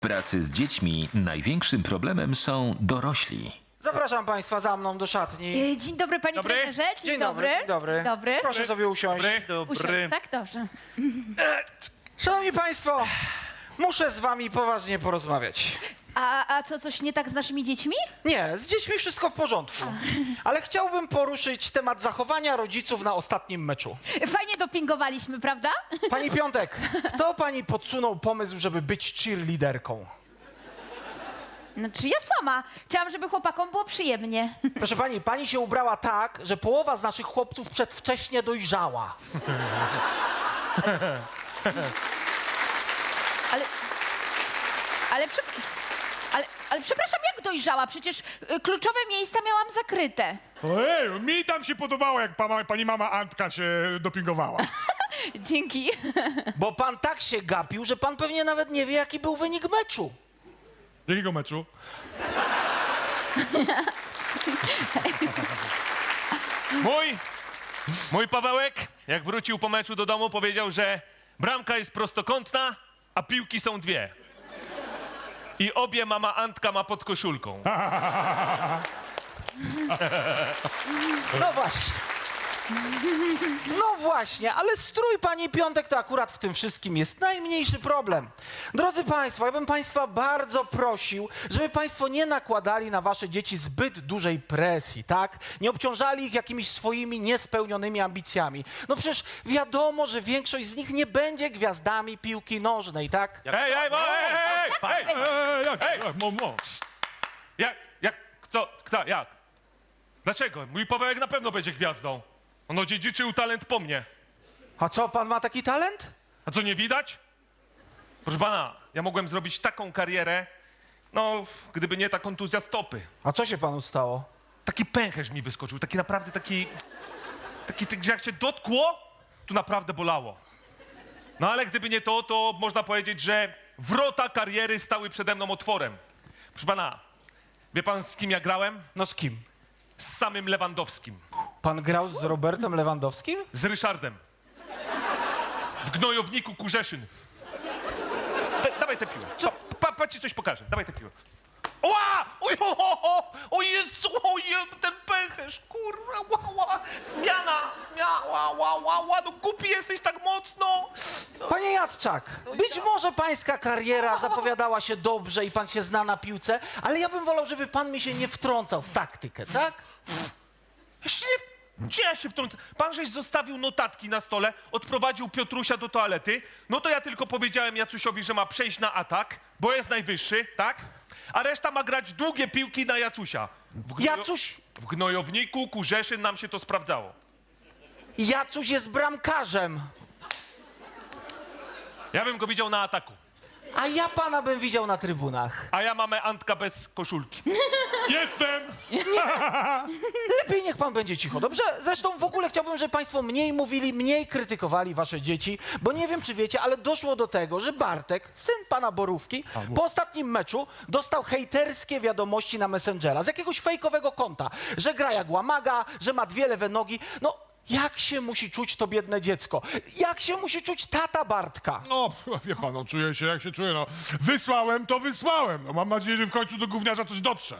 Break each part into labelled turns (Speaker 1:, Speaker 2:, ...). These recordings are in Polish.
Speaker 1: pracy z dziećmi największym problemem są dorośli.
Speaker 2: Zapraszam państwa za mną do szatni.
Speaker 3: Dzień dobry, panie
Speaker 4: Dobry.
Speaker 3: trenerze.
Speaker 2: Dzień dobry.
Speaker 3: Dzień dobry.
Speaker 2: Proszę sobie usiąść.
Speaker 3: Usiądź, tak? Dobrze.
Speaker 2: Szanowni państwo, muszę z wami poważnie porozmawiać.
Speaker 3: A co, coś nie tak z naszymi dziećmi?
Speaker 2: Nie, z dziećmi wszystko w porządku. Ale chciałbym poruszyć temat zachowania rodziców na ostatnim meczu.
Speaker 3: Fajnie dopingowaliśmy, prawda?
Speaker 2: Pani Piątek, kto pani podsunął pomysł, żeby być cheerleaderką?
Speaker 3: Znaczy ja sama. Chciałam, żeby chłopakom było przyjemnie.
Speaker 2: Proszę pani, pani się ubrała tak, że połowa z naszych chłopców przedwcześnie dojrzała.
Speaker 3: Ale przepraszam, jak dojrzała? Przecież kluczowe miejsca miałam zakryte.
Speaker 4: Ojej, mi tam się podobało, jak pani mama Antka się dopingowała.
Speaker 3: Dzięki.
Speaker 2: Bo pan tak się gapił, że pan pewnie nawet nie wie, jaki był wynik meczu.
Speaker 4: Jakiego meczu?
Speaker 5: Mój Pawełek, jak wrócił po meczu do domu, powiedział, że bramka jest prostokątna, a piłki są dwie. I obie mama Antka ma pod koszulką.
Speaker 2: No właśnie. No właśnie, ale strój pani Piątek to akurat w tym wszystkim jest najmniejszy problem. Drodzy państwo, ja bym państwa bardzo prosił, żeby państwo nie nakładali na wasze dzieci zbyt dużej presji, tak? Nie obciążali ich jakimiś swoimi niespełnionymi ambicjami. No przecież wiadomo, że większość z nich nie będzie gwiazdami piłki nożnej, tak?
Speaker 5: Ej,
Speaker 4: Jak?
Speaker 5: Jak? Dlaczego? Mój Pawełek na pewno będzie gwiazdą. On odziedziczył talent po mnie.
Speaker 2: A co, pan ma taki talent?
Speaker 5: A co, nie widać? Proszę pana, ja mogłem zrobić taką karierę, no, gdyby nie ta kontuzja stopy.
Speaker 2: A co się panu stało?
Speaker 5: Taki pęcherz mi wyskoczył, taki naprawdę że jak się dotkło, to naprawdę bolało. No ale gdyby nie to, to można powiedzieć, że wrota kariery stały przede mną otworem. Proszę pana, wie pan, z kim ja grałem?
Speaker 2: No z kim?
Speaker 5: Z samym Lewandowskim.
Speaker 2: Pan grał z Robertem Lewandowskim?
Speaker 5: Z Ryszardem. W gnojowniku Kurzeszyn. Dawaj tę piłę. Pa ci coś pokażę. Dawaj tę piłę. Oła! O Jezu, ten pęcherz, kurwa, zmiana, no głupi jesteś tak mocno.
Speaker 2: Panie Jadczak, być może pańska kariera zapowiadała się dobrze i pan się zna na piłce, ale ja bym wolał, żeby pan mi się nie wtrącał w taktykę, tak?
Speaker 5: Gdzie ja się wtrącę? Pan żeś zostawił notatki na stole, odprowadził Piotrusia do toalety, no to ja tylko powiedziałem Jacusiowi, że ma przejść na atak, bo jest najwyższy, tak? A reszta ma grać długie piłki na Jacusia.
Speaker 2: Jacuś,
Speaker 5: W gnojowniku Kurzeszyn nam się to sprawdzało.
Speaker 2: Jacuś jest bramkarzem,
Speaker 5: Ja bym go widział na ataku.
Speaker 2: a ja pana bym widział na trybunach.
Speaker 5: A ja mamy Antka bez koszulki.
Speaker 4: Jestem!
Speaker 2: Lepiej niech pan będzie cicho, dobrze? Zresztą w ogóle chciałbym, żeby państwo mniej mówili, mniej krytykowali wasze dzieci, bo nie wiem, czy wiecie, ale doszło do tego, że Bartek, syn pana Borówki, po ostatnim meczu dostał hejterskie wiadomości na Messengera z jakiegoś fejkowego konta, że gra jak łamaga, że ma dwie lewe nogi. No, jak się musi czuć to biedne dziecko? Jak się musi czuć tata Bartka?
Speaker 4: No, wie pan, no, czuję się jak się czuję, no. Wysłałem, to wysłałem. No, mam nadzieję, że w końcu do gówniarza coś dotrze.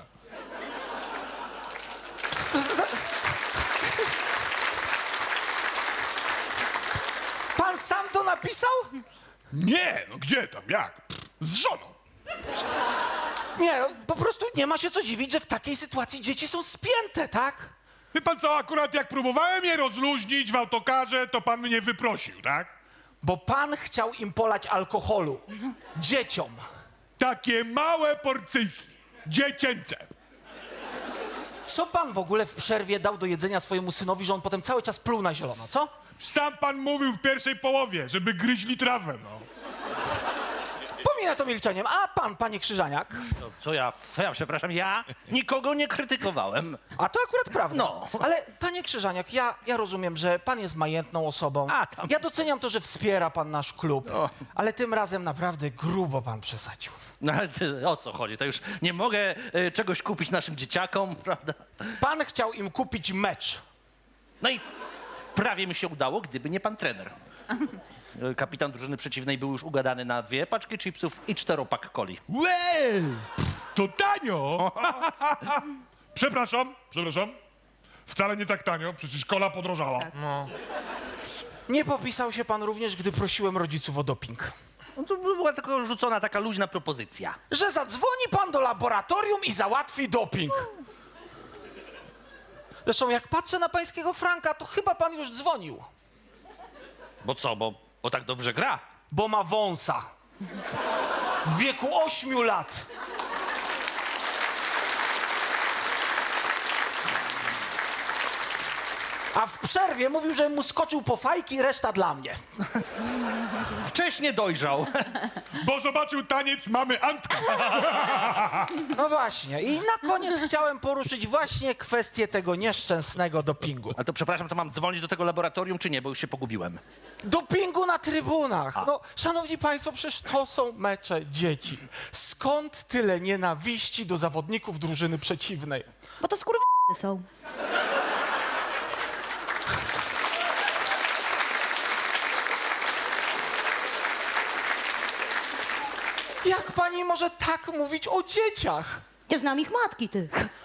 Speaker 2: Pan sam to napisał?
Speaker 4: Nie, no gdzie tam, jak? Z żoną.
Speaker 2: Nie, po prostu nie ma się co dziwić, że w takiej sytuacji dzieci są spięte, tak?
Speaker 4: Wie pan co, akurat jak próbowałem je rozluźnić w autokarze, to pan mnie wyprosił, tak?
Speaker 2: Bo pan chciał im polać alkoholu. Dzieciom.
Speaker 4: Takie małe porcyjki. Dziecięce.
Speaker 2: Co pan w ogóle w przerwie dał do jedzenia swojemu synowi, że on potem cały czas pluł na zielono, co?
Speaker 4: Sam pan mówił w pierwszej połowie, żeby gryźli trawę, no.
Speaker 2: Pominę to milczeniem. A pan, panie Krzyżaniak?
Speaker 6: Co ja, przepraszam, ja nikogo nie krytykowałem.
Speaker 2: A to akurat prawda.
Speaker 6: No.
Speaker 2: Ale panie Krzyżaniak, ja rozumiem, że pan jest majętną osobą.
Speaker 6: A, tam.
Speaker 2: Ja doceniam to, że wspiera pan nasz klub.
Speaker 6: O.
Speaker 2: Ale tym razem naprawdę grubo pan przesadził.
Speaker 6: No ale o co chodzi? To już nie mogę czegoś kupić naszym dzieciakom, prawda?
Speaker 2: Pan chciał im kupić mecz.
Speaker 6: No i prawie mi się udało, gdyby nie pan trener. Kapitan drużyny przeciwnej był już ugadany na 2 paczki chipsów i 4-pak coli.
Speaker 4: Łej! To tanio! Przepraszam. Wcale nie tak tanio, przecież kola podrożała.
Speaker 2: Nie popisał się pan również, gdy prosiłem rodziców o doping.
Speaker 6: No to była tylko rzucona taka luźna propozycja.
Speaker 2: Że zadzwoni pan do laboratorium i załatwi doping. Zresztą jak patrzę na pańskiego Franka, to chyba pan już dzwonił.
Speaker 6: Bo co, bo tak dobrze gra?
Speaker 2: Bo ma wąsa. W wieku 8 lat. A w przerwie mówił, że mu skoczył po fajki, reszta dla mnie.
Speaker 6: Wcześnie dojrzał.
Speaker 4: Bo zobaczył taniec mamy Antka.
Speaker 2: No właśnie. I na koniec chciałem poruszyć właśnie kwestię tego nieszczęsnego dopingu.
Speaker 6: A to przepraszam, to mam dzwonić do tego laboratorium, czy nie, bo już się pogubiłem.
Speaker 2: Dopingu na trybunach. No, szanowni państwo, przecież to są mecze dzieci. Skąd tyle nienawiści do zawodników drużyny przeciwnej?
Speaker 3: Bo to są.
Speaker 2: Jak pani może tak mówić o dzieciach?
Speaker 7: Ja znam ich matki, ty.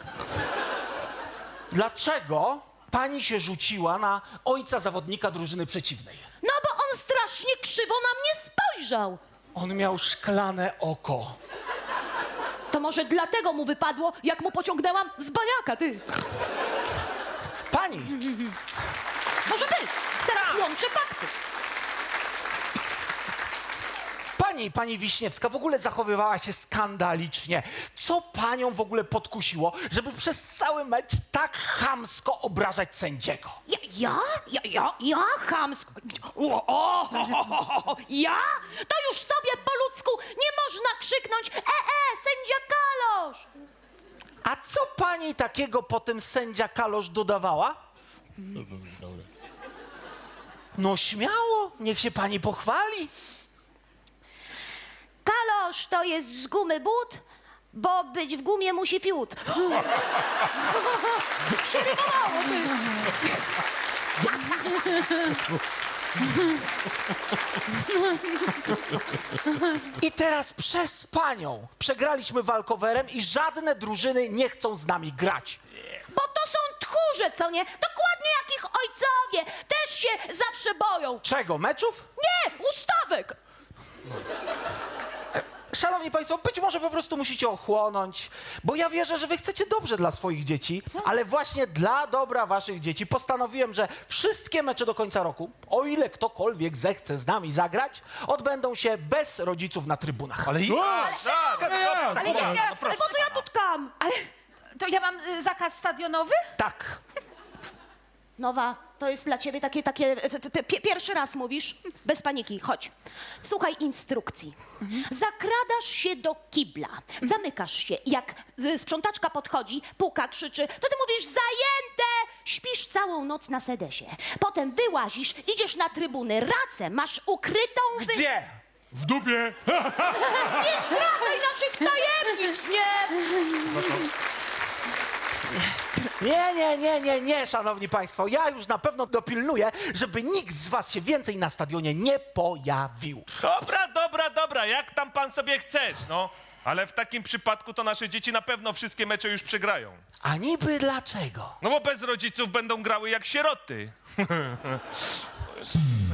Speaker 2: Dlaczego pani się rzuciła na ojca zawodnika drużyny przeciwnej?
Speaker 7: No bo on strasznie krzywo na mnie spojrzał.
Speaker 2: On miał szklane oko.
Speaker 7: To może dlatego mu wypadło, jak mu pociągnęłam z baniaka, ty.
Speaker 2: Pani!
Speaker 7: Może być. Teraz łączę fakty.
Speaker 2: Pani Wiśniewska w ogóle zachowywała się skandalicznie. Co panią w ogóle podkusiło, żeby przez cały mecz tak chamsko obrażać sędziego?
Speaker 7: Ja chamsko. Ja? To już sobie po ludzku nie można krzyknąć sędzia Kalosz.
Speaker 2: A co pani takiego potem sędzia Kalosz dodawała? No śmiało, niech się pani pochwali.
Speaker 7: Kalosz to jest z gumy but, bo być w gumie musi fiut. Się rymowało, ty.
Speaker 2: I teraz przez panią przegraliśmy walkowerem i żadne drużyny nie chcą z nami grać.
Speaker 7: Bo to są tchórze, co nie? Dokładnie jak ich ojcowie. Też się zawsze boją.
Speaker 2: Czego, meczów?
Speaker 7: Nie, ustawek.
Speaker 2: Szanowni państwo, być może po prostu musicie ochłonąć, bo ja wierzę, że wy chcecie dobrze dla swoich dzieci, ale właśnie dla dobra waszych dzieci postanowiłem, że wszystkie mecze do końca roku, o ile ktokolwiek zechce z nami zagrać, odbędą się bez rodziców na trybunach.
Speaker 6: Ale
Speaker 7: Ale po co ja tu tkam?
Speaker 3: Ale to ja mam zakaz stadionowy?
Speaker 2: Tak.
Speaker 7: Nowa, to jest dla ciebie takie pierwszy raz mówisz? Bez paniki, chodź. Słuchaj instrukcji. Zakradasz się do kibla, zamykasz się. Jak sprzątaczka podchodzi, puka, krzyczy, to ty mówisz zajęte! Śpisz całą noc na sedesie. Potem wyłazisz, idziesz na trybuny, racę masz ukrytą...
Speaker 2: Gdzie?
Speaker 4: W dupie.
Speaker 7: Nie zdradzaj naszych tajemnic, nie!
Speaker 2: Nie, szanowni państwo, ja już na pewno dopilnuję, żeby nikt z was się więcej na stadionie nie pojawił.
Speaker 5: Dobra, jak tam pan sobie chcesz, no. Ale w takim przypadku to nasze dzieci na pewno wszystkie mecze już przegrają.
Speaker 2: A niby dlaczego?
Speaker 5: No bo bez rodziców będą grały jak sieroty.